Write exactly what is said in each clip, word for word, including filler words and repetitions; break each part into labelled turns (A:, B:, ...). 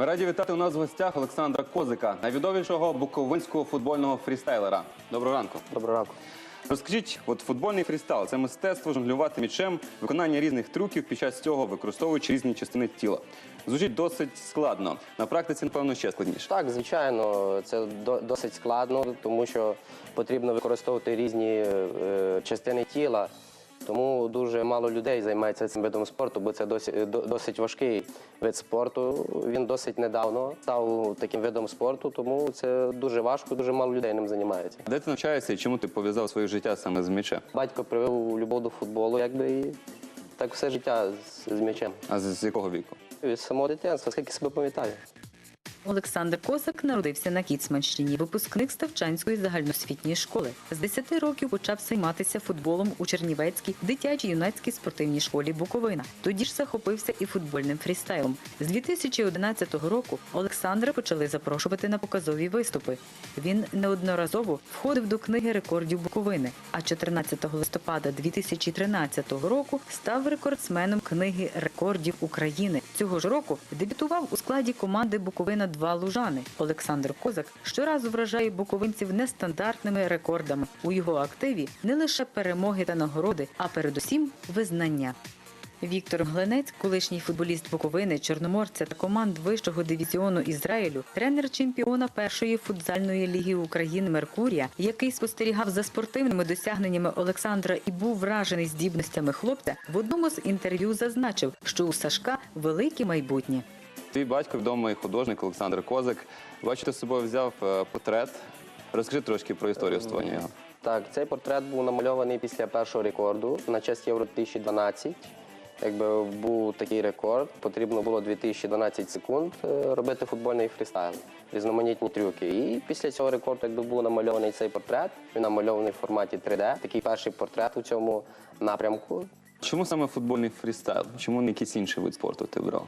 A: Ми раді вітати у нас в гостях Олександра Козика, найвідомішого буковинського футбольного фрістайлера. Доброго ранку.
B: Доброго ранку.
A: Розкажіть, от футбольний фрістайл – це мистецтво жонглювати м'ячем, виконання різних трюків під час цього, використовуючи різні частини тіла. Звучить досить складно. На практиці, напевно, ще складніше.
B: Так, звичайно, це до, досить складно, тому що потрібно використовувати різні е, частини тіла. Тому дуже мало людей займається цим видом спорту, бо це досить, досить важкий вид спорту. Він досить недавно став таким видом спорту, тому це дуже важко, дуже мало людей ним займається.
A: Де ти навчаєшся і чому ти пов'язав своє життя саме з м'ячем?
B: Батько привив любов до футболу, якби, і так все життя з, з м'ячем.
A: А з, з якого віку?
B: Від самого дитинства, скільки себе пам'ятаю.
C: Олександр Козак народився на Кіцманщині, випускник Ставчанської загальноосвітньої школи. З десяти років почав займатися футболом у Чернівецькій дитячо-юнацькій спортивній школі «Буковина». Тоді ж захопився і футбольним фрістайлом. З дві тисячі одинадцятого року Олександра почали запрошувати на показові виступи. Він неодноразово входив до книги рекордів Буковини, а чотирнадцятого листопада дві тисячі тринадцятого року став рекордсменом книги рекордів України. Цього ж року дебютував у складі команди «Буковина два Лужани». Олександр Козак щоразу вражає буковинців нестандартними рекордами. У його активі не лише перемоги та нагороди, а передусім визнання. Віктор Глинець, колишній футболіст Буковини, Чорноморця та команд вищого дивізіону Ізраїлю, тренер чемпіона першої футзальної ліги України «Меркурія», який спостерігав за спортивними досягненнями Олександра і був вражений здібностями хлопця, в одному з інтерв'ю зазначив, що у Сашка велике майбутнє.
A: Твій батько, відомий художник Олександр Козик. Бачу, ти з собою взяв портрет. Розкажи трошки про історію створення його.
B: Так, цей портрет був намальований після першого рекорду на честь Євро дві тисячі дванадцять. Якби був такий рекорд, потрібно було дві тисячі дванадцять секунд робити футбольний фрістайл, різноманітні трюки. І після цього рекорду, якби був намальований цей портрет, він намальований в форматі три де, такий перший портрет у цьому напрямку.
A: Чому саме футбольний фрістайл? Чому не якийсь інший вид спорту ти обрав?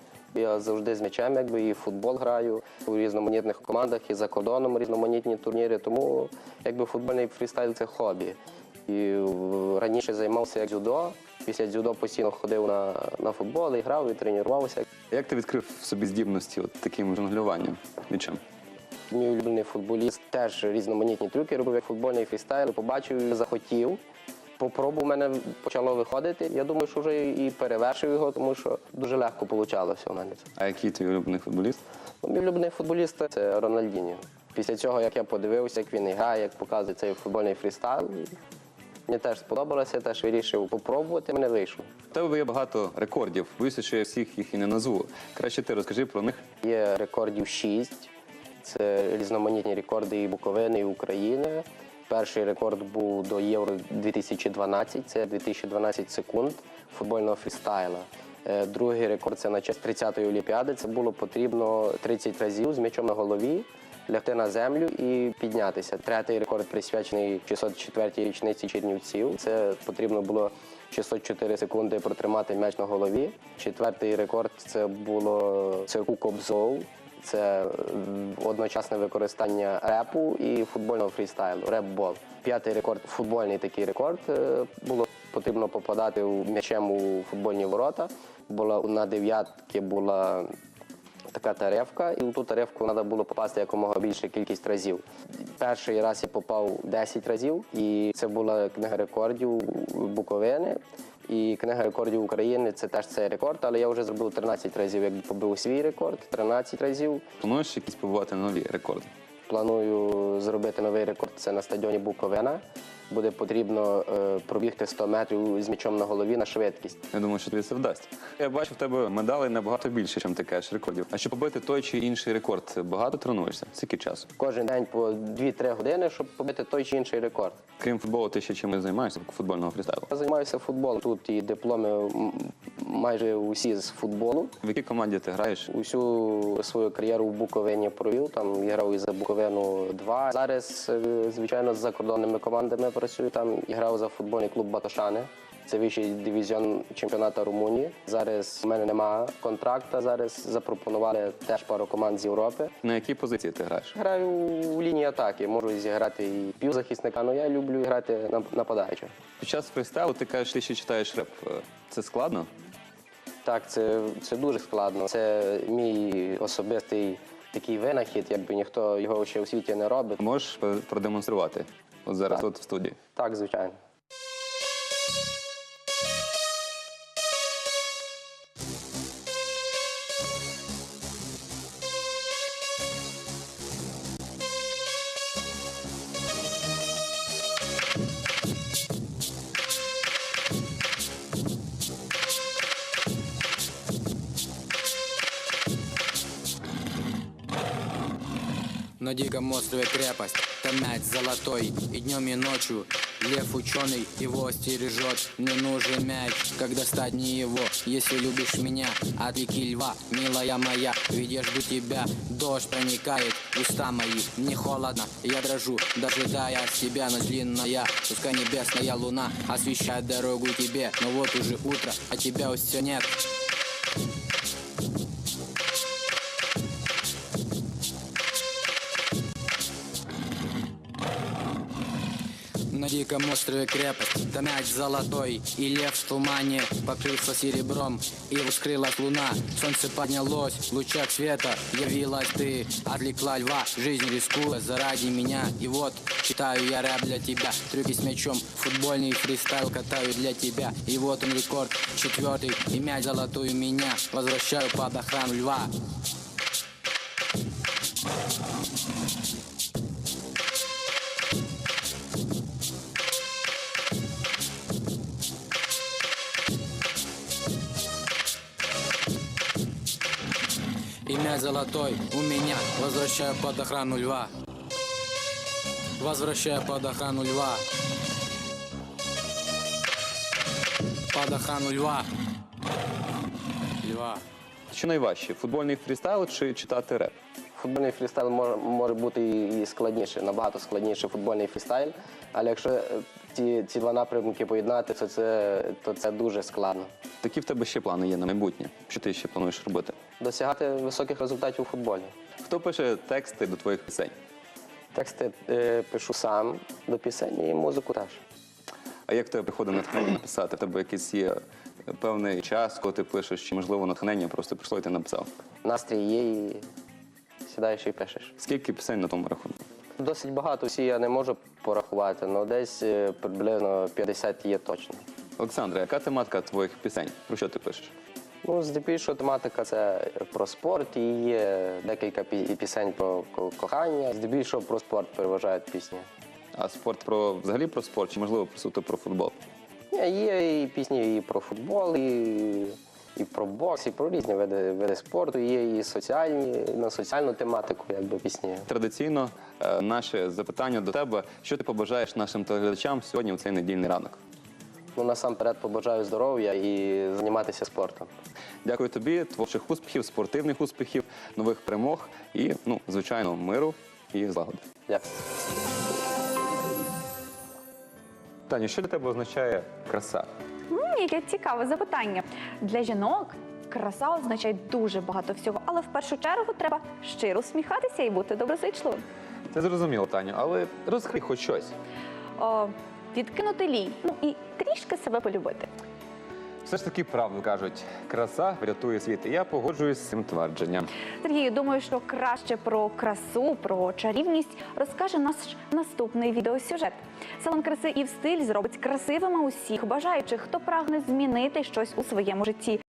B: Я завжди з м'ячем, якби, і в футбол граю у різноманітних командах, і за кордоном різноманітні турніри, тому якби футбольний фрістайл – це хобі. І раніше займався як дзюдо, після дзюдо постійно ходив на, на футбол, і грав, і тренувався.
A: Як ти відкрив в собі здібності от таким жонглюванням м'ячем?
B: Мій улюблений футболіст теж різноманітні трюки робив, як футбольний фрістайл, побачив, захотів. Попробував, у мене почало виходити. Я думаю, що вже і перевершив його, тому що дуже легко вийшло у мене.
A: А який твій улюблений футболіст?
B: Мій улюблений футболіст – це Рональдіньо. Після цього, як я подивився, як він грає, як показує цей футбольний фрістайл, мені теж сподобалося, я теж вирішив попробувати, мене вийшло.
A: У тебе є багато рекордів. Боюся, що я всіх їх і не назву. Краще ти розкажи про них.
B: Є рекордів шість. Це різноманітні рекорди і Буковини, і України. Перший рекорд був до Євро дві тисячі дванадцять, це дві тисячі дванадцять секунд футбольного фрістайла. Другий рекорд – це на честь тридцятої Олімпіади. Це було потрібно тридцять разів з м'ячом на голові лягти на землю і піднятися. Третій рекорд присвячений шістсот четвертій річниці Чернівців. Це потрібно було шістсот чотири секунди протримати м'яч на голові. Четвертий рекорд – це було цирку Кобзов. Це одночасне використання репу і футбольного фрістайлу, реп-бол. П'ятий рекорд, футбольний такий рекорд, було потрібно попадати м'ячем у футбольні ворота. Була, на дев'ятки була така таревка, і у ту таревку треба було попасти якомога більше кількість разів. Перший раз я попав десять разів, і це була книга рекордів Буковини. І книга рекордів України – це теж цей рекорд, але я вже зробив тринадцять разів, як побив свій рекорд, тринадцять разів.
A: Плануєш якісь побувати нові рекорди?
B: Планую зробити новий рекорд – це на стадіоні Буковина. Буде потрібно е, пробігти сто метрів з м'ячом на голові на швидкість.
A: Я думаю, що тобі це вдасться. Я бачу, в тебе медалей набагато більше, ніж ти кажеш рекордів. А щоб побити той чи інший рекорд, багато тренуєшся? Скільки часу?
B: Кожен день по дві-три години, щоб побити той чи інший рекорд.
A: Крім футболу, ти ще чимось займаєшся, футбольного фрістайлу?
B: Я займаюся футболом. Тут і дипломи майже усі з футболу.
A: В якій команді ти граєш?
B: Усю свою кар'єру в Буковині провів, там я грав і за Буковину два. Зараз, звичайно, з закордонними командами працюю, там і грав за футбольний клуб «Батошани». Це вищий дивізіон чемпіонату Румунії. Зараз у мене немає контракту, зараз запропонували теж пару команд з Європи.
A: На якій позиції ти граєш?
B: Граю в лінії атаки, можу зіграти і півзахисника, але я люблю грати нападаючого.
A: Під час фрістайлу ти кажеш, ти ще читаєш реп. Це складно?
B: Так, це, це дуже складно. Це мій особистий такий винахід, якби ніхто його ще у світі не робить.
A: Можеш продемонструвати от зараз
B: Так.
A: тут в студії?
B: Так, звичайно.
D: На диком острове крепость, там мяч золотой. И днем, и ночью лев ученый его стережет. Мне нужен мяч, как достать не его. Если любишь меня, отвлеки льва, милая моя. Ведь я жду тебя, дождь проникает в уста мои. Мне холодно, я дрожу, дожидая тебя. Ночь длинная, пускай небесная луна освещает дорогу тебе. Но вот уже утро, а тебя все нет. На диком острове крепость, там мяч золотой. И лев в тумане покрылся серебром. И вскрылась луна, солнце поднялось. В лучах света явилась ты. Отвлекла льва, жизнь рискуя заради меня. И вот читаю я рэп для тебя. Трюки с мячом, футбольный фристайл катаю для тебя. И вот он рекорд, четвертый. И мяч золотой у меня. Возвращаю под охрану льва. И мяч золотой у меня. Возвращаю под охрану льва. Возвращаю под охрану льва. Под охрану льва. Льва.
A: Що найважче, футбольний фрістайл чи читати реп?
B: Футбольний фрістайл може, може бути і складніше, набагато складніше футбольний фрістайл. Але якщо е, ці, ці два напрямки поєднати, то це, то це дуже складно.
A: Які в тебе ще плани є на майбутнє? Що ти ще плануєш робити?
B: Досягати високих результатів у футболі.
A: Хто пише тексти до твоїх пісень?
B: Тексти е, пишу сам до пісень і музику теж.
A: А як в тебе приходить натхнення написати? В тебе якийсь є певний час, коли ти пишеш, чи можливо натхнення просто прийшло і ти написав?
B: Настрій є і сідаєш і пишеш.
A: Скільки пісень на тому рахунку?
B: Досить багато, всі я не можу порахувати, але десь е, приблизно п'ятдесят є точно.
A: Олександре, яка тематика твоїх пісень? Про що ти пишеш?
B: Ну, здебільшого тематика це про спорт і є декілька пі- пісень про ко- кохання. Здебільшого про спорт переважають пісні.
A: А спорт про взагалі про спорт, чи можливо суто про футбол?
B: Ні, Є і пісні і про футбол, і, і про бокс, і про різні види, види спорту. Є і соціальні, на соціальну тематику, якби пісні.
A: Традиційно е, наше запитання до тебе: що ти побажаєш нашим телеглядачам сьогодні у цей недільний ранок?
B: Ну, насамперед побажаю здоров'я і займатися спортом.
A: Дякую тобі, творчих успіхів, спортивних успіхів, нових перемог і, ну, звичайно, миру і злагоди.
B: Дякую.
A: Таню, що для тебе означає краса?
E: М, Яке цікаве запитання. Для жінок краса означає дуже багато всього, але в першу чергу треба щиро усміхатися і бути доброзичливим.
A: Це зрозуміло, Таню, але розкрий хоч щось.
E: О, відкинути лінь, ну і трішки себе полюбити.
A: Все ж таки правду кажуть, краса врятує світ. І я погоджуюсь з цим твердженням.
E: Сергію, думаю, що краще про красу, про чарівність розкаже наш наступний відеосюжет. Салон краси і в стиль зробить красивими усіх бажаючих, хто прагне змінити щось у своєму житті.